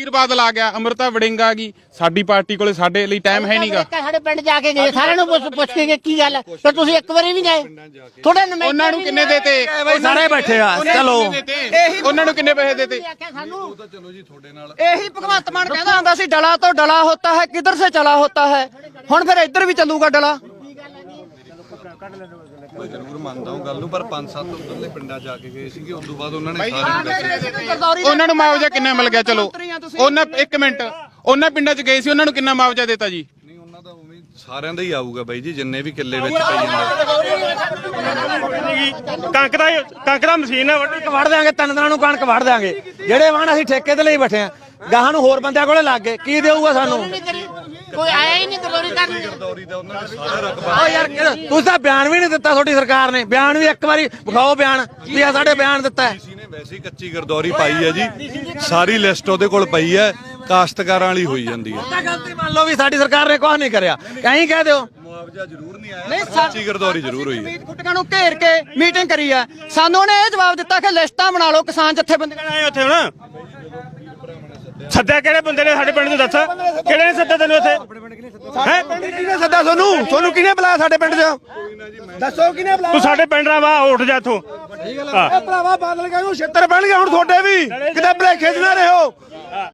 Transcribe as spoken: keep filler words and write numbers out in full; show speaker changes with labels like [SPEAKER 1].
[SPEAKER 1] ਸੁਖਬੀਰ ਬਾਦਲ ਆ ਗਿਆ, ਅੰਮ੍ਰਿਤਾ ਵੜਿੰਗ ਆ ਗਈ, ਸਾਡੀ ਪਾਰਟੀ ਕੋਲੇ ਸਾਡੇ ਲਈ ਟਾਈਮ ਹੈ ਨਹੀਂਗਾ।
[SPEAKER 2] ਸਾਡੇ ਪਿੰਡ ਜਾ ਕੇ ਗਏ, ਸਾਰਿਆਂ ਨੂੰ ਪੁੱਛ ਪੁੱਛ ਕੇ ਗਏ ਕੀ ਗੱਲ ਤੇ ਤੁਸੀਂ ਇੱਕ ਵਾਰੀ ਵੀ ਗਏ ਥੋੜੇ ਨਵੇਂ
[SPEAKER 1] ਉਹਨਾਂ ਨੂੰ ਕਿੰਨੇ ਦੇਤੇ?
[SPEAKER 3] ਸਾਰੇ ਬੈਠੇ ਆ, ਚਲੋ
[SPEAKER 1] ਉਹਨਾਂ ਨੂੰ ਕਿੰਨੇ ਪੈਸੇ ਦੇਤੇ?
[SPEAKER 2] ਸਾਨੂੰ
[SPEAKER 4] ਚਲੋ ਜੀ ਤੁਹਾਡੇ ਨਾਲ
[SPEAKER 5] ਇਹੀ ਭਗਵੰਤ ਮਾਨ ਕਹਿੰਦਾ ਹੁੰਦਾ ਸੀ ਡਲਾ ਤੋਂ ਡਲਾ ਹੋਤਾ ਹੈ, ਕਿੱਧਰ ਸੇ ਚਲਾ ਹੋਤਾ ਹੈ। ਹੁਣ ਫਿਰ ਇੱਧਰ ਵੀ ਚੱਲੂਗਾ ਡਲਾ।
[SPEAKER 4] ਮੈਂ ਜ਼ਰੂਰ ਮੰਨਦਾ ਹਾਂ ਗੱਲ ਨੂੰ, ਪਰ ਪੰਜ ਸੱਤ ਉਧਰਲੇ ਪਿੰਡਾਂ ਜਾ ਕੇ ਗਏ ਸੀਗੇ, ਉਸ ਤੋਂ ਬਾਅਦ ਉਹਨਾਂ ਨੇ ਸਾਰੇ
[SPEAKER 1] ਉਹਨਾਂ ਨੂੰ ਮੁਆਵਜ਼ਾ ਕਿੰਨਾ ਮਿਲ ਗਿਆ? ਚਲੋ ਉਹਨਾਂ ਇੱਕ ਮਿੰਟ ਉਹਨਾਂ ਪਿੰਡਾਂ 'ਚ ਗਏ ਸੀ, ਉਹਨਾਂ ਨੂੰ ਕਿੰਨਾ ਮੁਆਵਜ਼ਾ ਦਿੱਤਾ ਜੀ?
[SPEAKER 4] ਨਹੀਂ ਉਹਨਾਂ ਦਾ ਉਵੇਂ ਸਾਰਿਆਂ ਦਾ ਹੀ ਆਊਗਾ ਬਾਈ ਜੀ, ਜਿੰਨੇ ਵੀ ਕਿੱਲੇ ਵਿੱਚ ਪਈ ਜਾਂਦੇ।
[SPEAKER 3] ਕਣਕ ਦਾ ਕਣਕ ਦਾ ਮਸ਼ੀਨ ਵੱਢ ਵੜ ਦਿਆਂਗੇ, ਤਿੰਨ ਦਿਨਾਂ ਨੂੰ ਕਣਕ ਵੜ ਦਿਆਂਗੇ। ਜਿਹੜੇ ਵਾਹਣ ਅਸੀਂ ਠੇਕੇ ਤੇ ਲਈ ਬੈਠੇ ਆ, ਗਾਹਾਂ ਨੂੰ ਹੋਰ ਬੰਦਿਆਂ ਕੋਲੇ ਲੱਗ ਗਏ, ਕੀ ਦੇਊਗਾ ਸਾਨੂੰ?
[SPEAKER 2] ਕੋਈ ਆਇਆ ਹੀ ਨਹੀਂ ਗਰਦੌਰੀ ਕਰਨ।
[SPEAKER 4] ਗਰਦੌਰੀ ਦਾ ਉਹਨਾਂ ਨੇ ਸਾਰਾ ਰਕਬਾ।
[SPEAKER 3] ਓ ਯਾਰ ਤੁਸੀਂ ਤਾਂ ਬਿਆਨ ਵੀ ਨਹੀਂ ਦਿੱਤਾ, ਤੁਹਾਡੀ ਸਰਕਾਰ ਨੇ ਬਿਆਨ ਵੀ ਇੱਕ ਵਾਰੀ ਵਿਖਾਓ, ਬਿਆਨ ਵੀ ਆ ਸਾਡੇ ਬਿਆਨ ਦਿੱਤਾ ਹੈ।
[SPEAKER 4] ਨੇ ਵੈਸੇ ਹੀ ਕੱਚੀ ਗਰਦੌਰੀ ਪਾਈ ਹੈ ਜੀ, ਸਾਰੀ ਲਿਸਟ ਉਹਦੇ ਕੋਲ ਪਈ ਹੈ, ਕਾਸ਼ਤਕਾਰਾਂ ਵਾਲੀ ਹੋਈ ਜਾਂਦੀ ਹੈ।
[SPEAKER 3] ਤਾਂ ਗਲਤੀ ਮੰਨ ਲਓ ਵੀ ਸਾਡੀ ਸਰਕਾਰ ਨੇ ਕੁਝ ਨਹੀਂ ਕਰਿਆ, ਕਹੀਂ ਕਹਿ ਦਿਓ
[SPEAKER 4] ਮੁਆਵਜ਼ਾ ਜ਼ਰੂਰ ਨਹੀਂ ਆਇਆ, ਕੱਚੀ ਗਰਦੌਰੀ ਜ਼ਰੂਰ ਹੋਈ ਹੈ।
[SPEAKER 5] ਗੁੱਟਕਾਂ ਨੂੰ ਘੇਰ ਕੇ ਮੀਟਿੰਗ ਕਰੀ ਆ, ਸਾਨੂੰ ਉਹਨੇ ਇਹ ਜਵਾਬ ਦਿੱਤਾ ਕਿ ਲਿਸਟਾਂ ਬਣਾ ਲਓ ਕਿਸਾਨ ਜਥੇਬੰਦੀਆਂ।
[SPEAKER 3] ਆਏ ਉੱਥੇ ਹੁਣ ਸੱਦਿਆ ਕਿਹੜੇ ਬੰਦੇ ਨੇ ਸਾਡੇ ਪਿੰਡ ਨੂੰ? ਦੱਸ ਕਿਹੜੇ ਨੇ ਸੱਦਿਆ ਤੈਨੂੰ ਇੱਥੇ? ਹੈ ਕਿਹਨੇ ਸੱਦਿਆ ਤੁਹਾਨੂੰ? ਤੁਹਾਨੂੰ ਕਿਹਨੇ ਬੁਲਾਇਆ ਸਾਡੇ ਪਿੰਡ 'ਚ? ਦੱਸੋ ਕਿਹਨੇ ਬੁਲਾਇਆ? ਤੂੰ ਸਾਡੇ ਪਿੰਡ ਦਾ ਵਾ, ਉੱਠ ਜਾ ਇੱਥੋਂ।
[SPEAKER 5] ਭਰਾਵਾ ਬਾਦਲ ਕਹਿੰਦਾ ਛੇਤਰ ਪੈਣਗੇ ਹੁਣ ਤੁਹਾਡੇ ਵੀ, ਕਿਤੇ ਭਲੇਖੇ 'ਚ ਨਾ ਰਹੋ।